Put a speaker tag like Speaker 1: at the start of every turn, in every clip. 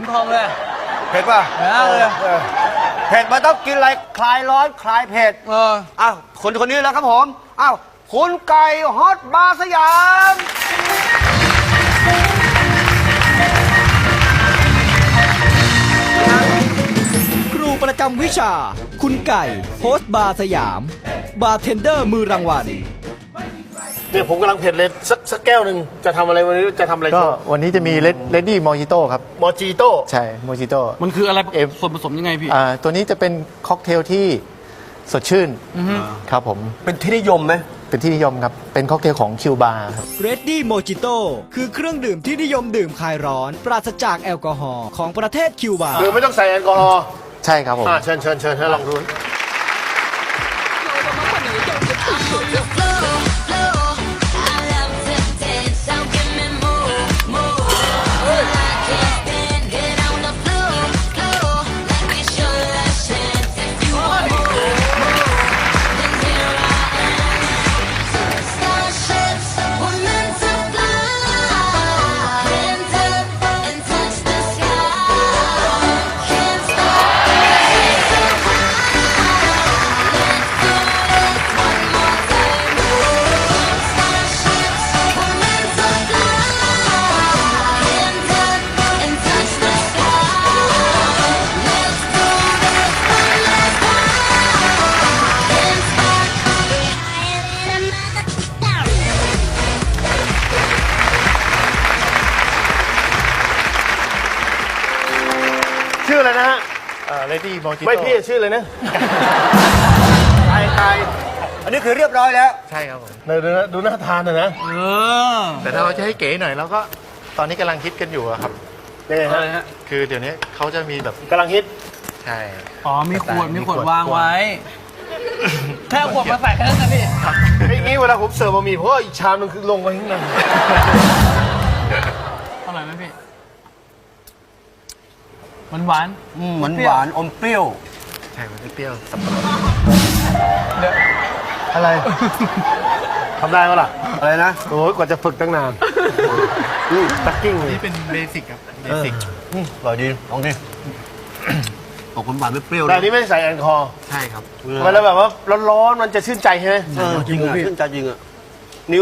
Speaker 1: ทองเลย
Speaker 2: เผ็ดป่ะ
Speaker 1: เลย
Speaker 2: เผ็ดมันต้องกินอะไรคลายร้อนคลายเผ็ดอ้าวคนนี้แล้วครับผมอ้าวคุณไก่ฮอตบาร์สยาม
Speaker 3: ครูประจำวิชาคุณไก่โฮสต์บาร์สยามบาร์เทนเดอร์มือรางวัล
Speaker 4: เนี่ยผมกำลังเผ็ดเลยสักแก้วหนึ่งจะทำอะไรวันนี้จะทำอะไร
Speaker 5: ก็วันนี้จะมีเลดดี้มอจิโต้ครับ
Speaker 4: มอจิโต้
Speaker 5: ใช่มอจิโต้
Speaker 1: มันคืออะไรส่วนผสมยังไงพี่
Speaker 5: ตัวนี้จะเป็นค็อกเทลที่สดชื่นครับผม
Speaker 2: เป็นที่นิยมไหม
Speaker 5: เป็นที่นิยมครับเป็นค็อกเทลของคิวบาร์ครับ
Speaker 3: Ready Mojito คือเครื่องดื่มที่นิยมดื่มคลายร้อนปราศจากแอลกอฮอล์ของประเทศคิวบา
Speaker 4: คือไม่ต้องใส่แอลกอฮอล์
Speaker 5: ใช่ครับผม
Speaker 4: เชิญให้ลองดูชื่ออะไรนะฮะ
Speaker 5: Ready Mojito
Speaker 4: ไม่พี่ชื่อเลยนะไทย
Speaker 2: อันนี้คือเรียบร้อยแล้ว
Speaker 5: ใช่ครับผม
Speaker 4: ดูน่าทานนะ
Speaker 5: แต่ถ้าเราจะให้เก๋หน่อยแล้วก็ตอนนี้กำลังฮิตกันอยู่ครับ
Speaker 4: นี่ฮะ
Speaker 5: คือเดี๋ยวนี้เขาจะมีแบบ
Speaker 4: กำลังฮิต
Speaker 5: ใช่
Speaker 1: มีขวดวางไว้แค่ขวดมาใส่แค่นั้นนะพี่
Speaker 4: ไม่งี้เวลาผมเสิร์ฟบะหมี่เพราะอีกชามนึงคือลงไปข้างใน
Speaker 1: อร่อยไหมพี่หวาน
Speaker 2: อมเปรี้ยว
Speaker 5: ใช่มันเปรี้ยวสับปะรด
Speaker 4: อะไรทำได้ปะล่ะ
Speaker 2: อะไรนะ
Speaker 4: โอ้ยกว่าจะฝึกตั้งนานตักกิ้ง
Speaker 5: นี่เป็นเบสิกครับเบสิก
Speaker 2: อร่อยดีลองดิออกหวานไม่เปรี้ยว
Speaker 4: แต่นี้ไม่ใส่แอลกอฮอล์
Speaker 5: ใช่ครับ
Speaker 4: เวลาแบบว่าร้อนๆมันจะชื่นใจใช่ไหม
Speaker 2: จริงชื่นใจจริงอะนิ้ว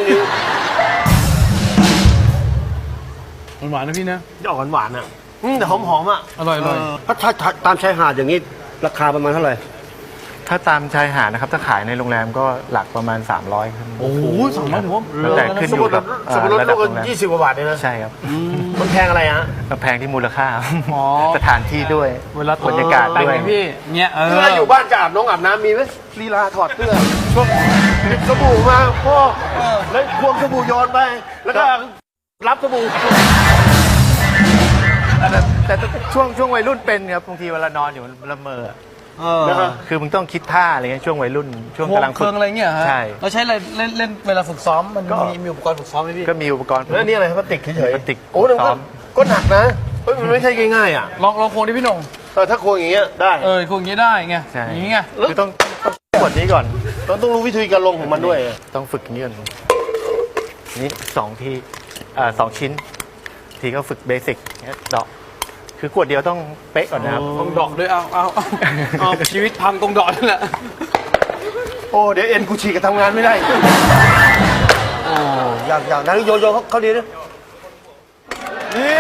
Speaker 1: หวานนะพี่นะ
Speaker 4: จะออกหวานๆอ่ะแต่หอมๆอ่ะ
Speaker 1: อร่อย
Speaker 2: ถ้าตามชายหาดอย่างนี้ราคาประมาณเท่าไหร่
Speaker 5: ถ้าตามชายหาดนะครับถ้าขายในโรงแรมก็หลักประมาณ300ครับ
Speaker 1: โอ้โห300ถือว่า
Speaker 5: แต่ขึ้นอยู่กับ
Speaker 4: ระดับโรงแรม20 กว่าบาทเลยนะ
Speaker 5: ใช่ครับ
Speaker 4: มันแพงอะไรฮะ
Speaker 5: แพงที่มูลค่าสถานที่ด้วย
Speaker 1: เวลา
Speaker 5: บรรยากาศด้วย
Speaker 1: พี่เนี่ย
Speaker 4: เวลาอยู่บ้านจะอาบน้ำมีไหมลีลาถอดเสื้อช่วงหยิบสบู่มาพ่อแล้วควงสบู่โยนไปแล้วก็รับสบู่
Speaker 5: แต่ช่วงวัยรุ่นเป็นครับบางทีเวลานอนอยู่ละเมอคือมึงต้องคิดท่าอะไรเงี้ยช่วงวัยรุ่นช่วงกำลัง
Speaker 1: ฝึกอะไรเงี้ยฮะ
Speaker 5: ใช่
Speaker 1: เราใช้อะไรเล่นเวลาฝึกซ้อมมันมีอุปกรณ์ฝึกซ้อมไหมพี่
Speaker 5: ก็มีอุปกรณ์
Speaker 4: แล้วนี่อะไรพลาสติกเฉย
Speaker 5: พลาสติก
Speaker 4: โอ้แต่ก็หนักนะมันไม่ใช่ง่ายๆอ่ะ
Speaker 1: ลองโค้งดิพี่หน่ง
Speaker 4: ถ้าโค้งอย่างเงี้ยได้
Speaker 1: โค้งอย่างเงี้ยได้ไงอย่างเงี้ย
Speaker 5: คือต้องกดนี้ก่อน
Speaker 4: ต้องรู้วิธีการลงของมันด้วย
Speaker 5: ต้องฝึกอย่างนี้ก่อนนี่2 ที2 ชิ้นทีก็ฝึกเบสิกดอกคือกวดเดียวต้องเป๊ะก่อนนะครับ
Speaker 1: ต้องดอกด้วยเอาชีวิตพังตรงดอกนั่นแหละ
Speaker 4: โอ้เดี๋ยวเอ็นกูฉีกกับทำงานไม่ได้
Speaker 2: โอ้อยากนั้นโยเขาดีนะ
Speaker 4: นี่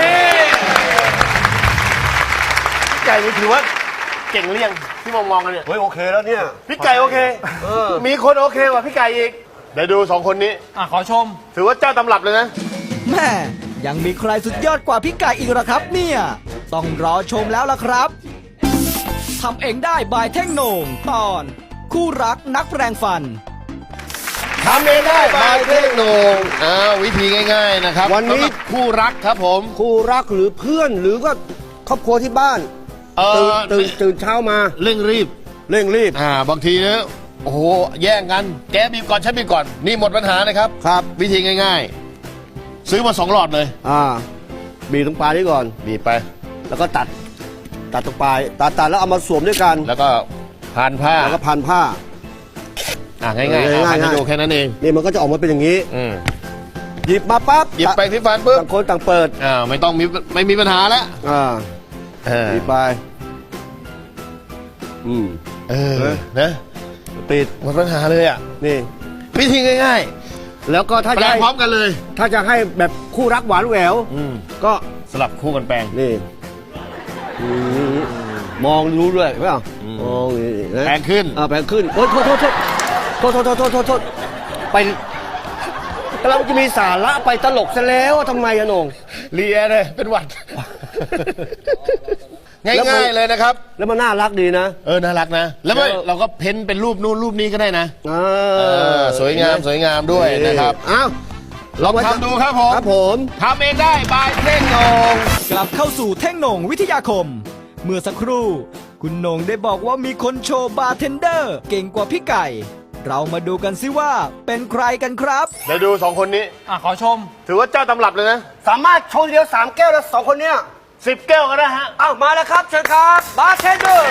Speaker 4: พี่ไก่นี่ถือว่าเก่งเลี่ยงที่มองกันเนี่ย
Speaker 2: เฮ้ยโอเคแล้วเนี่ย
Speaker 4: พี่ไก่โอเคมีคนโอเคกว่าพี่ไก่อีกเดี๋ยวดู2 คนนี้
Speaker 1: ขอชม
Speaker 4: ถือว่าเจ้าตำรับเลยนะ
Speaker 3: แม่ยังมีใครสุดยอดกว่าพี่ไก่อีกหรอครับเนี่ยต้องรอชมแล้วล่ะครับทำเองได้บายเท่งโหน่งตอนคู่รักนักแปรงฟัน
Speaker 4: ทำเองได้บายเท่งโหน่งวิธีง่ายๆนะครับ
Speaker 2: วันนี้
Speaker 4: คู่รักครับผม
Speaker 2: คู่รักหรือเพื่อนหรือก็ครอบครัวที่บ้านตื่นเช้ามา
Speaker 4: เร่งรีบบางทีนะโอ้โหแย่งกันแกบีบก่อนฉันบีบก่อนนี่หมดปัญหานะครับ
Speaker 2: ครับ
Speaker 4: วิธีง่ายๆซื้อมา2 หลอดเลย
Speaker 2: บีบตรงปลายนี้ก่อน
Speaker 4: บีบไป
Speaker 2: แล้วก็ตัดตรงปลายตัดแล้วเอามาสวมด้วยกัน
Speaker 4: แล้วก็พันผ้า
Speaker 2: แล้วก็พันผ้า
Speaker 4: ง่ายๆให้ดูแค่นั้นเอง
Speaker 2: นี่มันก็จะออกมาเป็นอย่างนี้หยิบมาปั๊บ
Speaker 4: หยิบแปรงสีฟันปุ๊บ
Speaker 2: ต่างคนต่างเปิด
Speaker 4: ไม่มีปัญหาแล้ว
Speaker 2: หยิบไป
Speaker 4: นะ
Speaker 2: ปิด
Speaker 4: หมดปัญหาเลยอ่ะ
Speaker 2: นี่
Speaker 4: วิธีง่าย
Speaker 2: แล้วก็ถ้า
Speaker 4: ๆแปล
Speaker 2: จะ
Speaker 4: ง
Speaker 2: ให้
Speaker 4: พร้อมกันเลย
Speaker 2: ถ้าจะให้แบบคู่รักหวานแหววก็
Speaker 4: สลับคู่กันแปลง
Speaker 2: นี่มองรู้ด้วยเปล่ามองนี่นะ
Speaker 4: แปลงขึ้น
Speaker 2: แปลงขึ้นโอ๊ยโทษไปกำลังจะมีสาระไปตลกซะแล้วทำไมอะโหน่ง
Speaker 4: เลียเลยเป็นหวัด ง่ายๆเลยนะครับ
Speaker 2: แล้วมันน่ารักดีนะ
Speaker 4: น่ารักนะ แล้วเราก็เพ้นเป็นรูปนู่นรูปนี้ก็ได้นะสวยงามด้วยนะครับ
Speaker 2: อ้าว
Speaker 4: ลองทำดูครับผม
Speaker 2: ครับผม
Speaker 4: ทำเองได้บายเท่งโหนง
Speaker 3: กลับเข้าสู่เท่งโหน่งวิทยาคม เมื่อสักครู่ คุณโหน่งได้บอกว่ามีคนโชว์บาร์เทนเดอร์ เก่งกว่าพี่ไก่ เรามาดูกันสิว่าเป็นใครกันครับ
Speaker 4: เดี๋ยวดูสองคนนี้
Speaker 1: ขอชม
Speaker 4: ถือว่าเจ้าตำรับเลยนะ
Speaker 2: สามารถชงเดียว3 แก้วแล้ว2 คนเนี้ย
Speaker 4: 10 แก้วก็ได้ฮะ
Speaker 2: อ้าวมาแล้วครับเชิญครับบาร์เทนเดอร์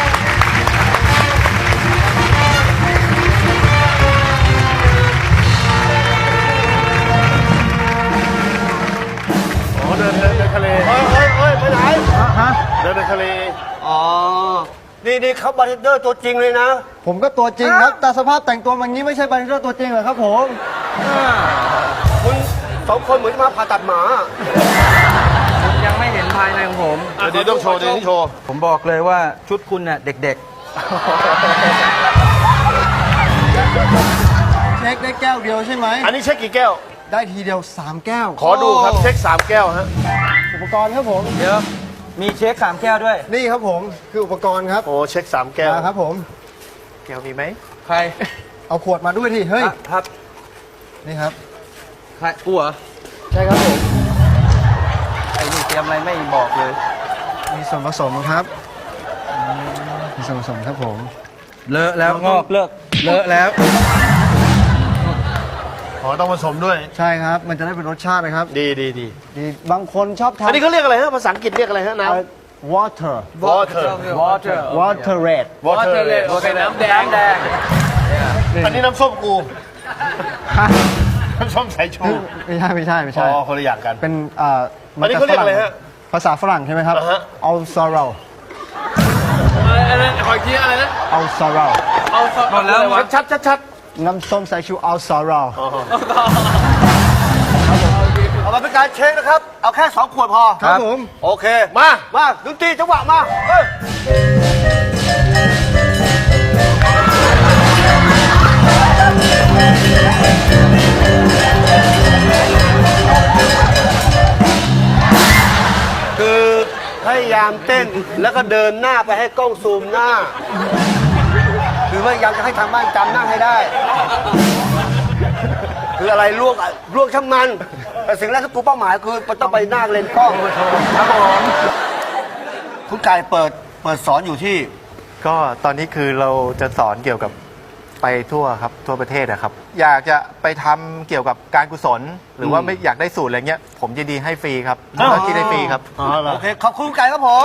Speaker 4: อ๋อเดินทะเล
Speaker 2: เฮ้ยไปไหน
Speaker 4: เดินทะเล
Speaker 2: อ๋อนี่เขาบาร์เทนเดอร์ตัวจริงเลยนะ
Speaker 6: ผมก็ตัวจริงครับ แต่สภาพแต่งตัวแบบนี้ไม่ใช่บาร์เทนเดอร์ตัวจริงเหรอครับผม
Speaker 2: คุณ2 คนเหมือนจะมาผ่าตัดหมา
Speaker 1: ยังไม่เห็นภายในของผม
Speaker 4: เดี๋ยวต้องโชว์เดี๋ยวต้องโชว์
Speaker 1: ผมบอกเลยว่าชุดคุณเนี่ยเด็ก
Speaker 6: เช็คได้แก้วเดียวใช่ไหม
Speaker 4: อันนี้เช็คกี่แก้ว
Speaker 6: ได้ทีเดียว 3 แก้ว
Speaker 4: ขอดูครับเช็ค3 แก้วฮะ
Speaker 6: อุปกรณ์ครับผม
Speaker 1: ๆ เดี๋ยว มีเช็ค3 แก้วด้วย
Speaker 6: นี่ครับผมคืออุปกรณ์ครับ
Speaker 4: โอ้เช็ค3 แก้ว
Speaker 6: ครับผม
Speaker 4: แก้วมีไหม
Speaker 1: ใคร
Speaker 6: เอาขวดมาด้วยที่เฮ้ย
Speaker 1: ครับ
Speaker 6: นี่ครับ
Speaker 1: ใครกูเหรอ
Speaker 6: ใช่ครับผม
Speaker 1: ไอ้นี่เตรียมอะไรไม่บอกเลย
Speaker 6: มีส่วนผสมครับมีส่วนผสมครับผม
Speaker 1: เลอะแล้วงอกเลิกเลอะแล้ว
Speaker 4: อ๋อต้องผสมด้วย
Speaker 6: ใช่ครับมันจะได้เป็นรสชาตินะครับ
Speaker 4: ดี
Speaker 6: ดีบางคนชอบ
Speaker 4: อัน
Speaker 6: ทำ
Speaker 4: นี้เขาเรียกอะไรฮะภาษาอังกฤษเรียกอะไรฮะน้ำ
Speaker 6: water
Speaker 4: water
Speaker 1: water
Speaker 6: water red
Speaker 4: water
Speaker 1: โอเคน้ำแดง
Speaker 4: อันนี้น้ำส้มกู น้ำส้มสายชู
Speaker 6: ไม่ใช่
Speaker 4: อ๋อคนละอย่างกัน
Speaker 6: เป็น
Speaker 4: อันนี้เขาเรียกอะไรฮะ
Speaker 6: ภาษาฝรั่งใช่ไหมครับ
Speaker 4: อ่าฮะ
Speaker 6: เอาซาเรา
Speaker 1: อะไรขออีกทีอะไรนะ
Speaker 6: เอาซาเรา
Speaker 1: เอาหมดแล้ว
Speaker 4: ชัด
Speaker 6: น้ำส้มสายชูเอาซาเรา
Speaker 2: เอามาเป็นการเช็คนะครับ เอาแค่2 ขวดพอ
Speaker 6: ครับผม
Speaker 2: โอเค
Speaker 4: มา
Speaker 2: ดนตรีจังหวะมาเฮ้ยคือพยายามเต้นแล้วก็เดินหน้าไปให้กล้องซูมหน้า คือพยายามจะให้ทางบ้านจำหน้าให้ได้ คืออะไรลวกช่างมัน แต่สิ่งแรกที่กูเป้าหมายคือมันต้องไปหน้าเลนส์กล้องครับผมคุณไก่เปิดสอนอยู่ที่
Speaker 5: ก็ตอนนี้คือเราจะสอนเกี่ยวกับไปทั่วครับทั่วประเทศนะครับ อยากจะไปทำเกี่ยวกับการกุศล หรือว่าไม่อยากได้สูตรอะไรเงี้ย ผมยินดีให้ฟรีครับแล้วกินได้ฟรีครับ
Speaker 2: โอเค ขอบคุณคุณไก่ครับผม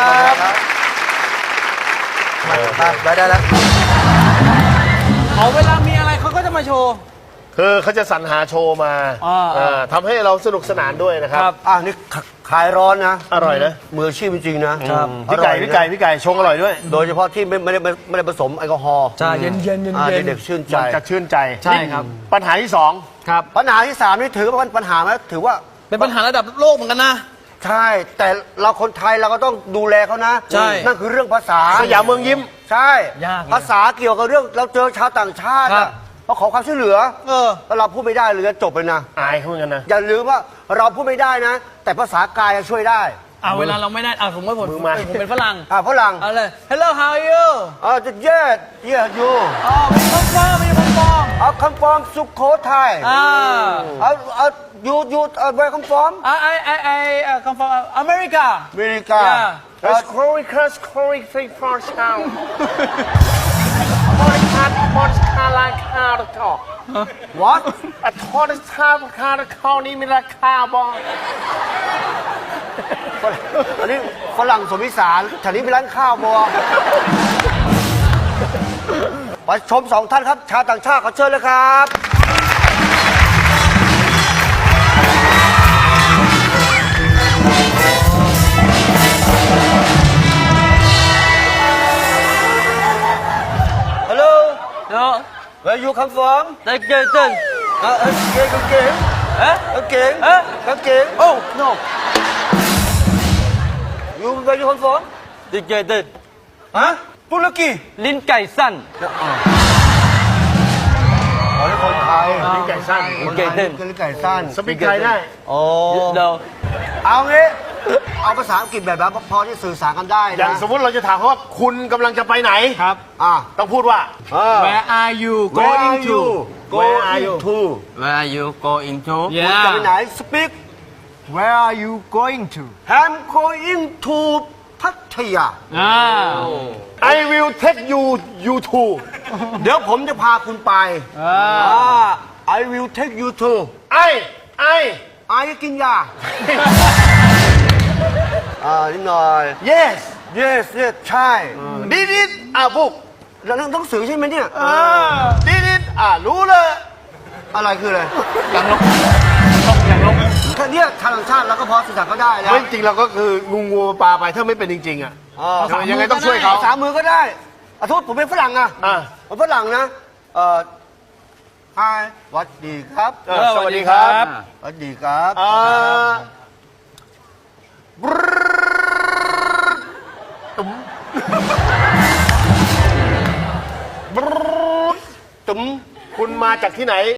Speaker 2: ได้แล้ว
Speaker 1: เอาเวลามีอะไรเขาก็จะมาโชว์
Speaker 4: คือเขาจะสรรหาโชว์มาทำให้เราสนุกสนานด้วยนะครับ
Speaker 2: นี่ขายร้อนนะ
Speaker 4: อร่อยนะ
Speaker 2: มืออาชีพจริงๆนะ
Speaker 4: พี่ไก่ชงอร่อยด้วย
Speaker 2: โดยเฉพาะที่ไม่ได้ผสมแอลกอฮอล์
Speaker 1: ใช่เย็น
Speaker 2: เด็กๆชื่นใจ
Speaker 4: มันจะชื่นใจ
Speaker 1: ใช่ครับ
Speaker 4: ปัญหาที่ 2
Speaker 2: ปัญหาที่ 3 นี่ถือว่าเป็นปัญหาไหมถือว่า
Speaker 1: เป็นปัญหาระดับโลกเหมือนกันนะ
Speaker 2: ใช่ แต่เราคนไทยเราก็ต้องดูแลเขานะ
Speaker 1: ใช่
Speaker 2: นั่นคือเรื่องภาษา
Speaker 4: สยามเมืองยิ้ม
Speaker 2: ใช่
Speaker 1: ยากเลย
Speaker 2: ภาษาเกี่ยวกับเรื่องเราเจอชาวต่างชาติ
Speaker 1: ครั
Speaker 2: อะ
Speaker 1: บ
Speaker 2: เขาขอความช่วยเหลือแล้วเราพูดไม่ได้เลยจบเลยนะ
Speaker 4: อายเขาเหมือนกันนะ
Speaker 2: อย่าลืมว่าเราพูดไม่ได้นะ แต่ภาษากายช่วยได้
Speaker 1: เวลาเราไม่ได้สมมติผมเป็นฝรั่ง
Speaker 2: ฝรั่ง
Speaker 1: เอาเลย Hello how are you
Speaker 2: จะเย็ดยู
Speaker 1: คอนเฟิร์มไม่ใช่คอนเฟิร์ม
Speaker 2: คำฟอร์มสุโขทัยยูคำฟอร์ม
Speaker 1: I come from America
Speaker 2: อเมริกา
Speaker 4: That's Corey Cross Corey Free for Town Morris Carline Car Talk
Speaker 2: what
Speaker 4: A Tortoise Car Car Call นี้มีราคาบ่
Speaker 2: อันนี้ฝรั่งสมวิสารแถวนี้เป็นร้านข้าวบัวไปชม2 ท่านครับ ชาวต่างชาติขอเชิญเลยครับ Where you come from
Speaker 1: ได้เจอเต้น
Speaker 2: กางเกง
Speaker 1: เอ๊ะ
Speaker 2: กางเกง
Speaker 1: เอ๊ะ
Speaker 2: กางเกง
Speaker 1: โอ้ no
Speaker 2: You where you come from
Speaker 1: ได้เจอเต้น
Speaker 2: ฮะตุรกี
Speaker 1: ลิ้นไก่สั้น
Speaker 2: อ๋อนี่คนไทย
Speaker 4: ลิ้นไก่สั้น
Speaker 2: คนไทยคือลิ้นไก่สั้น
Speaker 4: สปีกไทยได้
Speaker 2: โอ้
Speaker 1: เดี๋ยว
Speaker 2: เอางี้ เอาภาษาอังกฤษแบบนั้นพอที่สื่อสารกันได้
Speaker 4: อย่าง
Speaker 2: นะ
Speaker 4: สมมติเราจะถามเขาว่าคุณกำลังจะไปไหน
Speaker 1: ครับ
Speaker 4: ต้องพูดว่า
Speaker 1: Where are you
Speaker 2: Where
Speaker 1: going
Speaker 2: are
Speaker 1: to
Speaker 2: you
Speaker 4: Where are you
Speaker 2: to
Speaker 1: Where are you going to
Speaker 2: คุณจะไปไหน Speak
Speaker 6: Where are you going to
Speaker 2: I'm going to พัทยา
Speaker 4: I will take you to
Speaker 2: เดี๋ยวผมจะพาคุณไปI will take you to
Speaker 4: ไอ
Speaker 2: กินยานิดหน่อย
Speaker 4: yes
Speaker 2: yes yes ใช่
Speaker 4: did it บุก
Speaker 2: แล้วหนังสือใช่ไหมเนี่ย
Speaker 4: did it รู้เลย
Speaker 2: อะไรคืออะไร
Speaker 1: ยังลงยังลง
Speaker 2: แค่เนี้ยทางต่างชาติเราก็พอสื่อสารก็ได้แล้ว
Speaker 4: ไม่จริงเราก็คืองูปลาไปถ้าไม่เป็นจริงๆยังไงต้องช่วยเขา
Speaker 2: สามมือก็ได้โทษผมเป็นฝรั่งอะผมฝรั่งนะHi สวัสดีครับ
Speaker 4: สวัสดีครับ
Speaker 2: สวัสดีครับ
Speaker 4: คุณมาจากที่ไหน